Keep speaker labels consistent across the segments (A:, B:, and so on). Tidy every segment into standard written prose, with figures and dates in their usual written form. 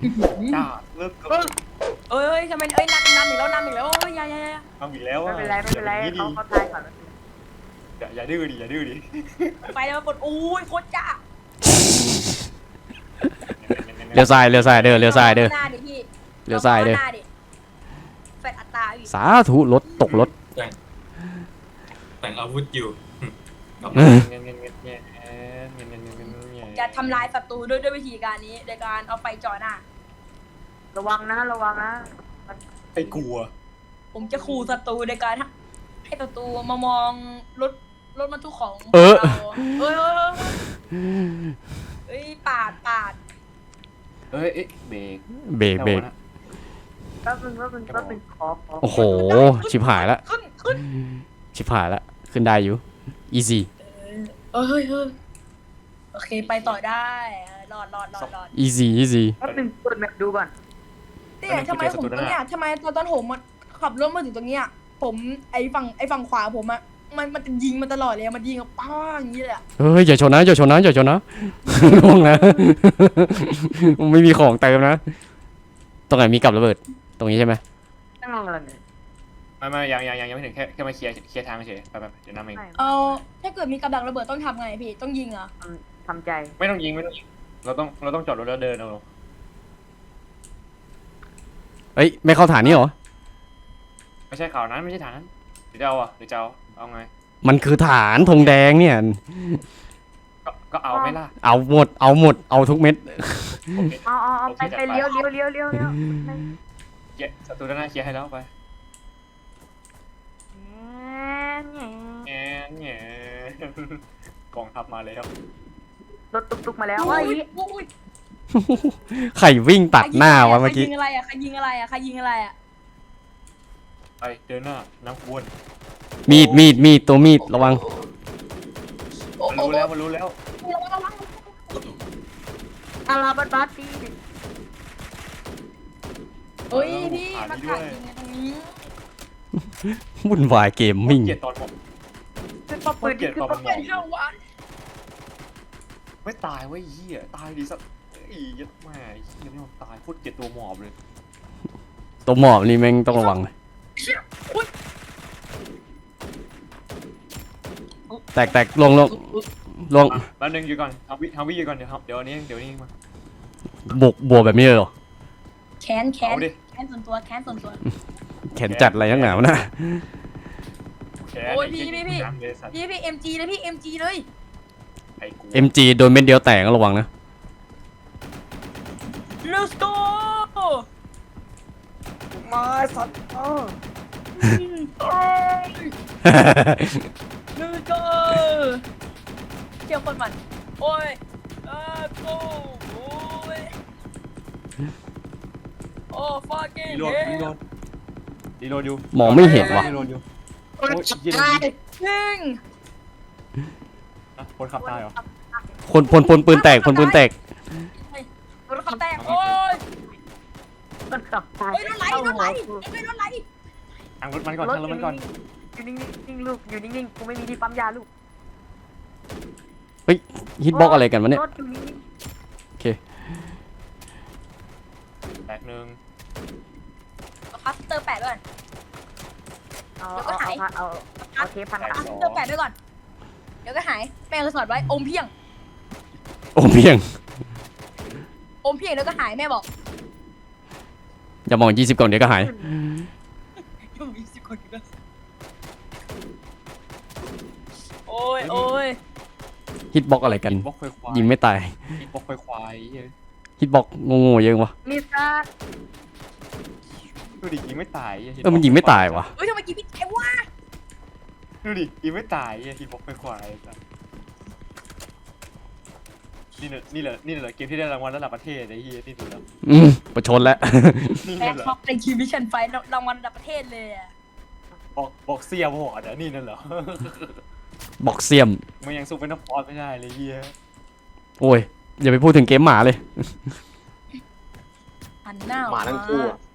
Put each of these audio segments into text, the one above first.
A: จ้าเลิกก่อน
B: เอ้ยทำไมนำอีกแล้วโอ้ยอย่า
A: ทำอีกแล้ว
C: ไม่เป็นไรเขาตายก่อน
A: อย่าดื้อดิอย่าดื้อดิ
B: ไปแล้วปวดอุ้ยโคตรจ้า
D: เลี้ยวซ้ายเลี้ยวซ้ายเด้อ
B: หน้าดิพี่
D: เลี้ยวซ้ายเด้อ
B: หน้ดิแฟดอัตราอีก
D: สาธุรถตกรถ
E: แต่งอาวุธอยู่
B: จะทำลายศัตรูด้วยวิธีการนี้โดยการเอาไฟจ่อหน้า
C: ระวังนะ
A: ไอ้กลัว
B: ผมจะขู่ศัตรูในการให้ศัตรูมามองรถบรรทุกของ
D: เออ
B: เราเอ้ยปาด
A: เอ้ยเบรก
D: เบรก
C: แป๊บนึงขอ
D: โอ้โหชิบหายละ
B: ขึ้น
D: ชิบหายละขึ้นได้อยู่ easy
B: เฮ้ยโอเคไปต่อได้รอด
D: easy
C: แป๊บนึงเปิดแมปดูก่อน
B: เนี่ยทำไมผมตรงเนี้ยทำไมตอนผมขับรถมาถึงตรงเนี้ยผมไอ้ฝั่งขวาผมอะมันจะยิงมาตลอดเลยมันยิงกับป้าอย่างนี้เลยอะ
D: เฮ้ยอย่าชนนะล่วงนะ ไม่มีของเติมนะตรงไหนมีกับระเบิดตรงนี้ใช่ไหม
C: นั่งอะไรเนี่ย
A: ไม่ยังไม่ถึงแค่มาเคลียร์ทางเฉยไปเดี๋ยวนำเอง
B: เอาถ้าเกิดมีกับดักระเบิดต้องทำไงพี่ต้องยิงเหรอ
C: ทำใจ
A: ไม่ต้องยิงเราต้องจอดรถแล้วเดินเอา
D: เอ้ยไม่เข้าฐานนี้เหรอ
A: ไม่ใช่ข่าวนั้นไม่ใช่ฐานนั้นหรือจะเอาไง
D: มันคือฐานธงแดงเนี่ย
A: ก็เอาไหมล่ะ
D: เอาหมดเอาทุกเม็ด
C: เอาไปเลี้ยว
A: ศัตรูด้านหน้าเคลียร์ให้แล้วไปแง่กองทัพมาแล้ว
C: รถตุกมาแล้วว่า
B: อุ้ย
D: ไข่วิ่งตัดหน้าวะเมื่อกี้
B: ใครยิงอะไรอะใครยิงอะไรอะ
A: ไปเดินหน้าน้ำวน
D: มีดตัวมีดระวัง
A: มันรู้แล้ว
C: อาราบัสตี
B: เฮ้ยพี่มาถ่ายยิงตรงนี้
D: วุ่นวายเกมมิ่ง
A: เกลียดตอนผม
C: คือปอปืนคือปอ
B: เป็นเท่าวัน
A: ไม่ตายเว้ยเหี้ยตายดีสักยัดแม่เหี้ยไม่ยอมตายโคตรเกลียดตัวหมอบเลย
D: ตัวหมอบนี่แม่งต้องระวังเลยแตกลง
A: แป๊บนึงอยู่ก่อนทำวิอยู่ก่อนเดี๋ยวนี้มา
D: บวกแบบนี้เลยเหรอ
B: แค้น
A: เอาดิ
B: ส่วนตัว
D: แขนจัดอะไรทั้งหนาวะนะ
B: โอ้ยพี่เอ็มจีเลยพี่เอ็มจีเลย
A: ไอ้กู
D: MG โดนเม็ดเดียวแตกก็ระวังนะ
B: Let's go
C: มาสัตว์
B: Let's go เที่ยวคนมันโอ้ยgo โอ้ยโอ้ fucking
A: รีโหลดอยู่
D: มองไม่เห็นวะ
A: รีโหลดอยู่
C: คนขับตาย
B: ยิง
A: คนขับตายเหรอ
D: คนปืนแตก
B: รถขับแตกโอ้ย
C: คนขับตาย
B: เฮ้ยรถไหลเฮ้ยรถไหล
A: ทางรถมันก่อน
C: อยู่นิ่งลูกอยู่นิ่งกูไม่มีที่ปั๊มยาลูก
D: ฮิตบ็อกอะไรกันวะเนี่ย
C: รถอยู่นิ่ง
A: แตกหนึ่ง
B: คัสเตอร์แปดด้วย
C: เอาเทปพัน
B: คัสเตอร์แปดด้วยก่อนเดี๋ยวก็หายแม่ก็สอนไว้อมเพียง
D: โอ้เพียง
B: แล้วก็หายแม่บอก
D: อย่ามอง20ก่อนเดี๋ยวก็หาย
B: ยังมี10 คนอยู่นะโอ้ย
D: ฮิตบ็อกอะไรกัน
A: บล็อกไฟควาย
D: ยิงไม่ตาย
A: บล็อกไฟควาย
D: ฮิตบ็อกโง่ๆเยอะวะ
C: ลิซ่า
A: ดูดิยิงไม่ตาย
D: มันยิงไม่ตายวะ
B: เฮ้ยทำไมกินพี่ไอ้วะ
A: ดูดิยิงไม่ตายฮิตบ็อกไฟควายนี่เหรอเกมที่ได้รางวัลระดับประเทศไอ้เหี้ยนี่ดูแล้ว
D: ประชดแล้ว
A: นี่
B: แบ็ค
A: เหรอ
B: ท็อปในคิวมิชชั่นไฟรางวัลระดับประเทศเลยอะ
A: บอกเสียบอกอ่ะนี่นั่นเหรอ
D: บอกเสียม
A: มันยังสู้เป็นนักฟอสไม่ได้เลยเหี้ย
D: โอ้ยอย่าไปพูดถึงเกมหมาเลย
B: หันหน้า
A: หมาทั้งคู่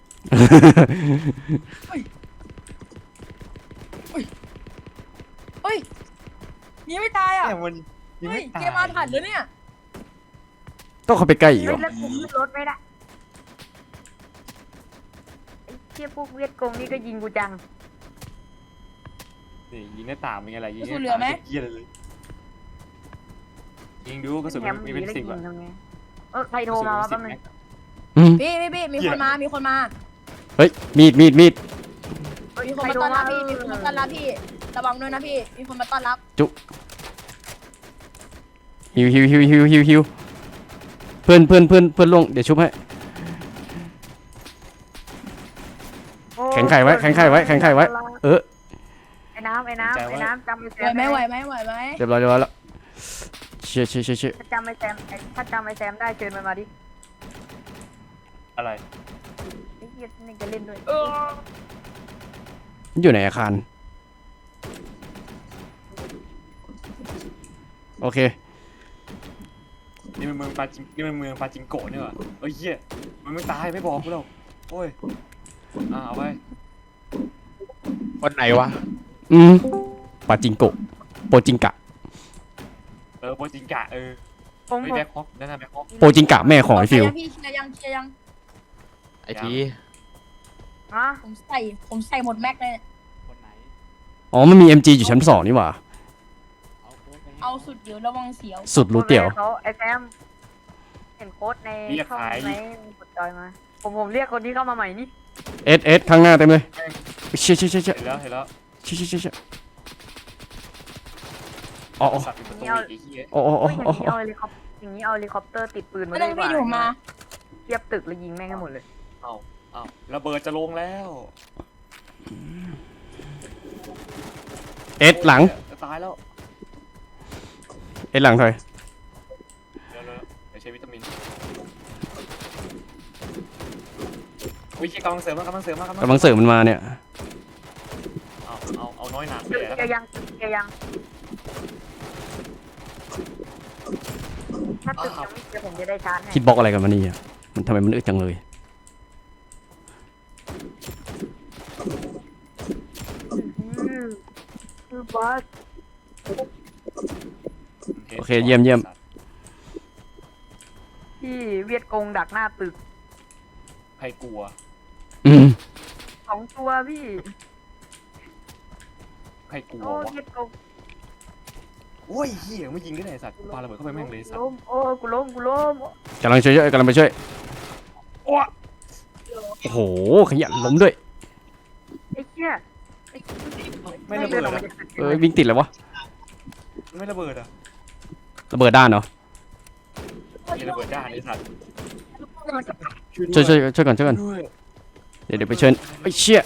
B: เฮ้ยนี่ไม่ตายอ่ะ
A: เนี่ยมันยิง
B: เฮ้ย
A: ไม่ตาย
B: เกมอาถรรพ์เลยเนี่ย
D: ต้องเข้าไปใกล้อีกเหรอ
C: แล้วกูขึ้นรถไม่ได้เทียบพวกเวียดกงนี่ก็ยิงกูจัง
A: นี่ยิงหน้าต่างเป็นไงล่ะยิง
B: กระสุนเหลือไหม
A: เหี้ยเลยยิงดูกระสุน
C: แถม
A: มีเป็น
C: แล้ว
A: 10
C: ยิ
A: อะ
C: งทำไงใครโทรมาวะแป๊บนึง
D: อืม
B: พี่มีคนมามีคนมา
D: เฮ้ยมีด
B: มีคน
C: ใคร
B: มา
C: โทร
B: ต้อน
C: มา
B: รับพี่มีคนมาต้อนรับพี่ระวังด้วยนะพี่มีคนมาต้อนรับ
D: ฮิวเพื่อนลงเดี๋ยวชุบให้
C: โอ้
D: แข็งไข่ไว้เออ
C: ไอ้น้ำจำไอ้แซ
B: ไหว
C: ม
B: ไหมไหวไหม
D: เรียบร้อยแล้วเชี่ย
C: ถ้าจำไอ้แซมได้เชิญมันมาดิ
A: อะไร
C: ไอ้เหี้ยนี่จะเล่นด้วย
D: อยู่ในอาคารโอเค
A: นี่มันเมืองปาจิงโกะเนี่ยเหรอเอ้ยเหี้ยมันไม่ตายไม่บอกกูหรอกโอ้ยเอาไป
F: คนไหนวะ
D: ปาจิงโกะโปจิงกะ
A: โปจิงกะ
C: ผม
A: ไม่แบ็คฮอกนั่นน่ะแบ็คฮอก
D: โปจิงกะแม่ของไอ้ฟิว
B: พี่เคลียร์ยัง
F: ไอที
C: ฮะ
B: ผมใส่หมดแม็กเลย
F: คนไหน
D: อ๋อมันมี MG อยู่ชั้น2นี่หว่า
F: เอาโค้ดไปให้
B: เอาสุดเดี๋ยวระวังเสียว
D: สุดรู้เตี่ยว
C: เขาไอ้แซมเห็นโค้ดในช่องไหนกดจอยมาผมเรียกคนที่เข้ามาใหม่นี่
D: เอสข้างหน้าเต็มเลยเชี่ย
A: เห็นแล้ว
D: เชี่ยอ๋อ
A: สัตว์เป็นประตูอีกเหี้ย
D: อ๋อ
C: อย่างนี้เอาเฮลิคอปเตอร์ติดปืนมา
B: ไม่
C: เล
B: ต้อย ง
C: ดีก
B: พี่
C: ว่า
B: เดี๋ยวผมมา
C: เทียบตึกแล้วยิงแม่งให้หมดเลย
A: เอาระเบิดจะลงแล้ว
D: เอสหลัง
A: จะตายแล้ว
D: เอสหลังถอย
A: เดี๋ยวไปใช้วิตามินวิธีกำลังเสริมมากำลังเสริม
D: กำลังเสริมมันมาเนี่ย
A: เอาน้อยหนา
C: เกียร์ยังถ้าตึกยังไม่เกียร์ผมจะได้ชาร์จให้
D: คิดบล็อกอะไรกันมานี่อ่ะมันทำไมมันอึดจังเลย
C: บอส
D: โอเคเยี่ยม
C: ที่เวียดกงดักหน้าตึก
A: ใครกลัว
C: 2 ตัวพี่
A: ใครกลัว
C: โอ้
A: วะ
C: เวียดกง
A: โอ้ยเหี้ยไม่ยิงได้ไหนสัตว์ปาระเบิดเข้าไปแม่งเลยสัตว์
C: ล้มโอ้กูล้ม
D: กำลังไปช่วยโอ้โหขยันล้มด้วย
C: ไอ้เหี้ย
A: ไม่ระเบิด
C: ออก
A: อ่ะ
C: มาจากตึก
D: วิ่งติดเลยวะ
A: ไม่ระเบิดอ่ะ
D: ระเบิดด้านเหรอ
A: มีระเบิดด้านไอ้สัตว์
D: ช่วยก่อน
A: ด้วย
D: เดี๋ยวไปเชิญไอ้เชี่ย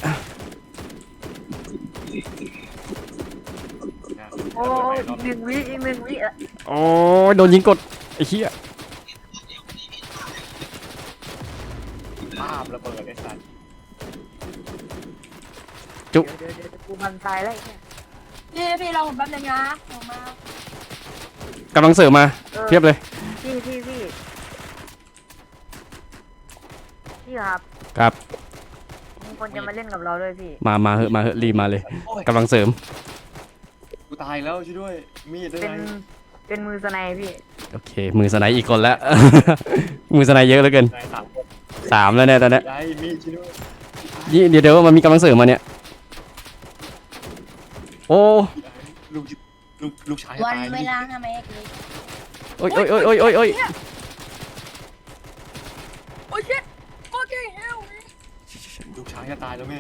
C: โอ้อีกหนึ่งวิอ่ะ
D: โอ้ยโดนยิงกดไอ้เชี่ย
A: ภาพระเบิดไอ้สัตว์
C: เดี๋ยวกูบันตายแล้วไอ้เนี่ย
B: พี่เราผมแป๊บนึงนะผมมาก
D: ำลังเสริมมาเพียบเลย
C: พี่ครับ
D: ครับ
C: มีคนจะมาเล่นกับเราด้วยพี่
D: มาเหอะรีบมาเลยกำลังเสริม
A: กูตายแล้วช่วยด้วยมีดได้
C: เป็น
A: ไง
C: เป็นมือสไนพี่
D: โอเคมือสไนด์อีกคนแล้ว มือสไนด์เยอะเหลือเกิน
A: นาย3 คน
D: 3แล้วเนี่ยตอนเนี้ย
A: ได้มีดช่วยด้วย
D: เดี๋ยวมันมีกำลังเสริมมาเนี่ยโอ้
A: ลูกชาย
B: วัน
A: ตาย
B: เวลาทำไมเอก
D: โอ้ย
B: โอ้ชิตโอเคเฮล
A: ลูกชายจะตายแล้วแม่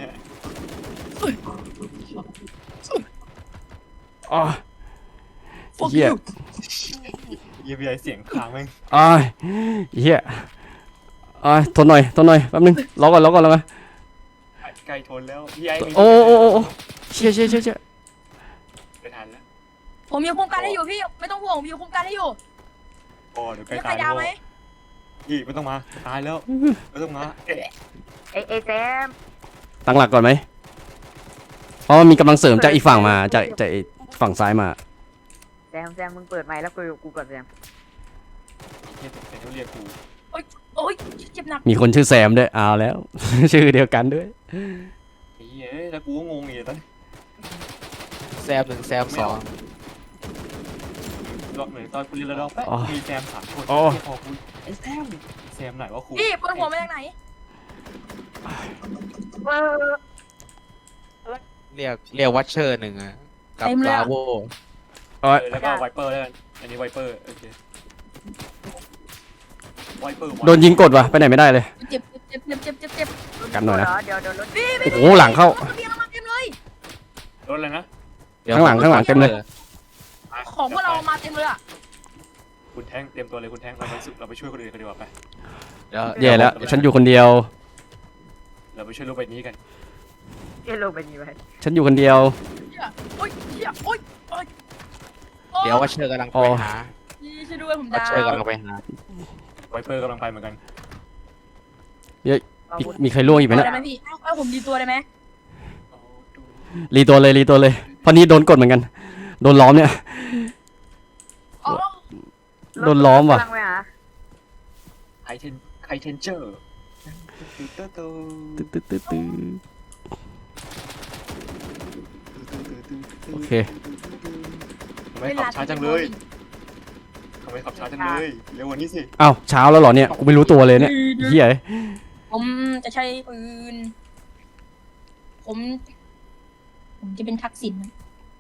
D: อ๋อเฮีย
A: เยี่ยมใหญ่เสียงค้างแม่ง
D: เฮียทนหน่อยแป๊บนึงรอก่อน
A: ไกลทนแล้วพี่ไอ้มี
D: โอ้เชี่ย
A: ไปทันแล้ว
B: ผมมีโครงการให้อยู่พี่ไม่ต้องห่วงผมมีโครงการให้อยู่
A: โอ้เดี๋ยวใกล้
B: มีใคร
A: ตาย
B: ดาวไหม
A: พี่ไม่ต้องมาตายแล้วไม่ต้องมา
C: ไอ้แซม
D: ตั้งหลักก่อนไหมเพราะมันมีกำลังเสริมจากอีกฝั่งมาจากฝั่งซ้ายมา
C: แซมมึงเปิดไมค์แล้วคุยกับกูก่อนแซม
A: เฮียแต่เขาเรียกกู
B: โอ้ยเจ็บหนัก
D: มีคนชื่อแซมด้วยเอาแล้ว ชื่อเดียวกันด้วย
A: ไอ้เหี้ยแล้วกูก็งงอีกตอนนี้
F: แซม 1 แซม 2
A: รอบเหมือนตอนกูเรียนระดับแป๊บมีแซม3 คน
D: อ๋อ
A: พอกูไอ้แซมไหนวะครู
B: พี่ปวดหัวมาจากไหน
C: เออ
F: เรียกวัชเชอร์หนึ่งอะกับลาโว
D: โอ้ย
A: แล้วก็ไวเปอร์แล้วกันอันนี้ไวเปอร์โอเคไวเปอร์
D: โดนยิงกดว่ะไปไหนไม่ได้เลย
B: เจ็บเจ็บเจ็บเจ็บเจ็บเจ็บ
D: กันหน่อยนะ
C: เดี๋ยวรถ
D: โอ้โหหลังเข้า
B: เบียร์มาเต็มเลย
A: รถอะไรนะ
D: ข้างหลังเต็มเลย
B: ของพวกเรามาเต็มเลยอ่ะ
A: คุณแท้งเตรียมตัวเลยคุณแท้งเราไปช่วยคนอื่นกันดีกว่าไป
F: เดี๋ยว
D: แย่แล้ว ฉันอยู่คนเดียว
A: เราไปช่วยโลกใบนี้กัน
C: เอโลเป็นยังไง
D: ฉันอยู่คนเดียว
B: โอ๊ยเหี้ยโอ๊ยโอ๊ย
F: เดี๋ยววัชเชอร์กำลังไปหา
B: ช่วยด้วยผม
F: วัช
B: ดา
F: เชอร์
B: ว
F: กำลังไปหา
A: ไวเปอร์กำลังไปเหมือนกัน
D: มีใครล่วงอีกไหม
B: ได้
D: เนะ
B: ไหมพี่เอาผมดีตัวได้ไหม
D: รีตัวเลยเพราะนี้โดนกดเหมือนกัน โดนล้อมเนี่ย
B: อ๋อ
D: โดนล้อมว่ะ
C: กำลังไปหา
A: ไฮเทนเจอร์
D: ตึ๊ดโอเค
A: ทำไมขับช้าจังเลยทำไมขับช้าจังเลยเร็วกว่านี้สิ
D: อ้าวเช้าแล้วเหรอเนี่ยกูไม่รู้ตัวเลยเนี่ยเฮีย
B: ผมจะใช้ปืนผมจะเป็นทักษิณนะ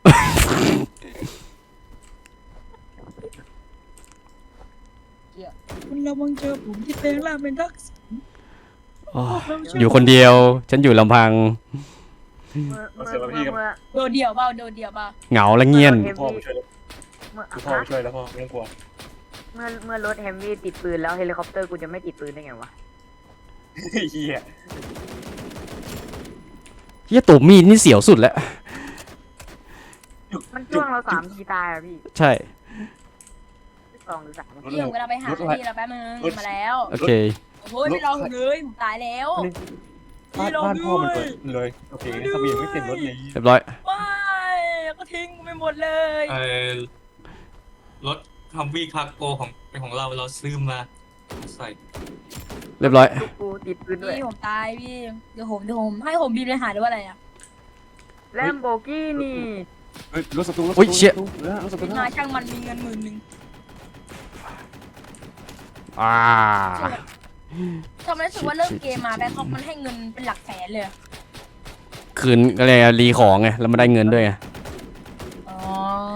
B: คุณระวังเจอผมที่แปลงร่างเป็นทักษิณ
D: อยู่คนเดียว ฉันอยู่ลำพัง
C: เมื่อ
B: โดดเดี่ยวเปล่าโดดเดี่ยวเปล่า
D: เหงาและเงียน
A: พ่อมาช่วยแล้วพ่อมาช่วยแล้วพ่อไม่ต้องกลัว
C: เมื่อรถแฮมวี่ติดปืนแล้วเฮลิคอปเตอร์กูจะไม่ติดปืนได้ไงวะ
A: เฮีย
D: เฮียตัวมีดนี่เสียวสุดแล้ว
C: มันจ้วงเรา3 ทีตายอ่ะพี่
D: ใช่
C: 2 หรือ 3
B: พี่ผมกำลังไปหาพี่เราแป๊บนึงมาแล้ว
D: โอเค
B: โอ้ยไม่รอผมเลยผมตายแล้ว
A: บ้านพ่อมันเปิดเลยโอเคทะเบียนไม่เต็มรถเลย
D: เรียบร้อย
B: ไม่ก็ทิ้งไปหมดเลย
E: รถคัมวี่คาร์โกของเป็นของเราซื้อมาใส่
D: เรียบร้อย
C: กูติดปืนด้วย
B: พี่ผมตายพี่เดี๋ยวผมให้ผมบีบเลยหาหรือว่าอะไรอ่ะ
C: แลมโบกี้นี่
A: เฮ้ยรถศัตรูรถ
D: อุ๊ยเชี่ย
A: รถศัตรู
B: มาช่างมันมีเงิน10,000
D: อ่า
B: ทำไมรู้สึกว่าเริ่มเกมมาแบงคอกมันให้เงินเป็นหลักแสนเลย
D: คืนอะไรอะรีของไงแล้วมาได้เงินด้วยไง
B: อ๋อ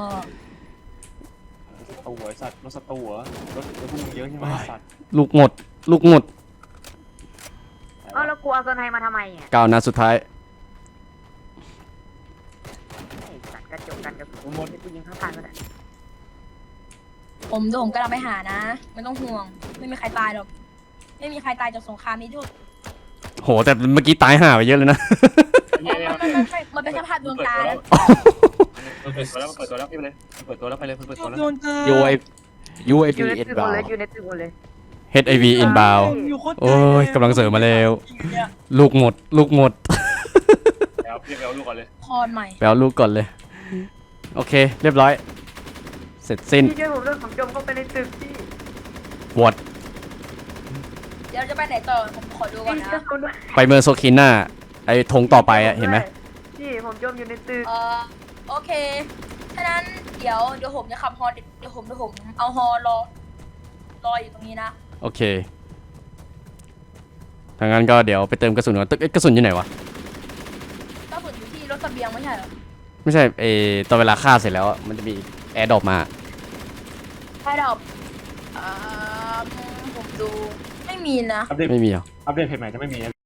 A: ตัวสัตว์รถศัตรูเหรอรถพวกมึงเยอะใช่ไหมสัตว์
D: ลูกหมด
C: เอาแล้วกูเอาโซนไฮมาทำไมอ่ะ
D: ก้าวหน้าสุดท้าย
C: ไอ้สัตว์กระจกกันกับกูหมดกูยิงข้างๆก็ได้
B: ผมกำลังไปหานะไม่ต้องห่วงไม่มีใครตายหรอกไม่มีใครตายจากสงครามนี้ด้วย
D: โหแต่เมื่อกี้ตายห่าไปเยอะเลยนะ
B: มันเป็นสภาพดวงตาแล้ว
A: เปิดตัวแล้วเปิดตัวแล้วพี่ไปเลยเปิดตัวแล้วไปเลยเปิดตัวแล้ว
B: ดวงตา
F: UAV
C: อยู่ในตึกหมด
F: inbound
C: เลยอยู่ในตึกหมดเลย
D: HIV inbound โอ้ยกำลังเสริมมาแล้ว ลูกหมด
A: แล้วพี่ไปเอาลูกก่อนเลย
B: คอนใหม่
D: ไปเอาลูกก่อนเลย โอเค เรียบร้อย เสร็จสิ้น
C: พี่ช่วยผมเรื่องของจมเข้าไปในตึกพี่
D: วอด
B: เดี๋ยวจะไปไหนต่อผมขอดูก่อน
C: พี่
B: นะ
C: ช่วยผมด้วย
D: ไปเมอร์โซคิน่าไอ้ธงต่อไปอะเห็นไหม
C: พี่ผมจมอยู่ในตึก
B: โอเคฉะนั้นเดี๋ยวผมจะขับฮอเดี๋ยวผมเอาฮอรออยู่ตรงนี้นะ
D: โอเคทางนั้นก็เดี๋ยวไปเติมกระสุนก่อนตึกเอ๊ะกระสุนอยู่ไหนวะ
B: ก็ฝึกอยู่ที่รถเสบียงไม่ใช่เหรอ
D: ไม่ใช่ตอนเวลาฆ่าเสร็จแล้วอะมันจะมีแอร์ดรอปมา
B: ใช่ดอกผมดูไม่มีนะ
A: อัปเดต
D: ไม่มีเหรอ
A: อัปเดตเพจใหม่จะไม่มี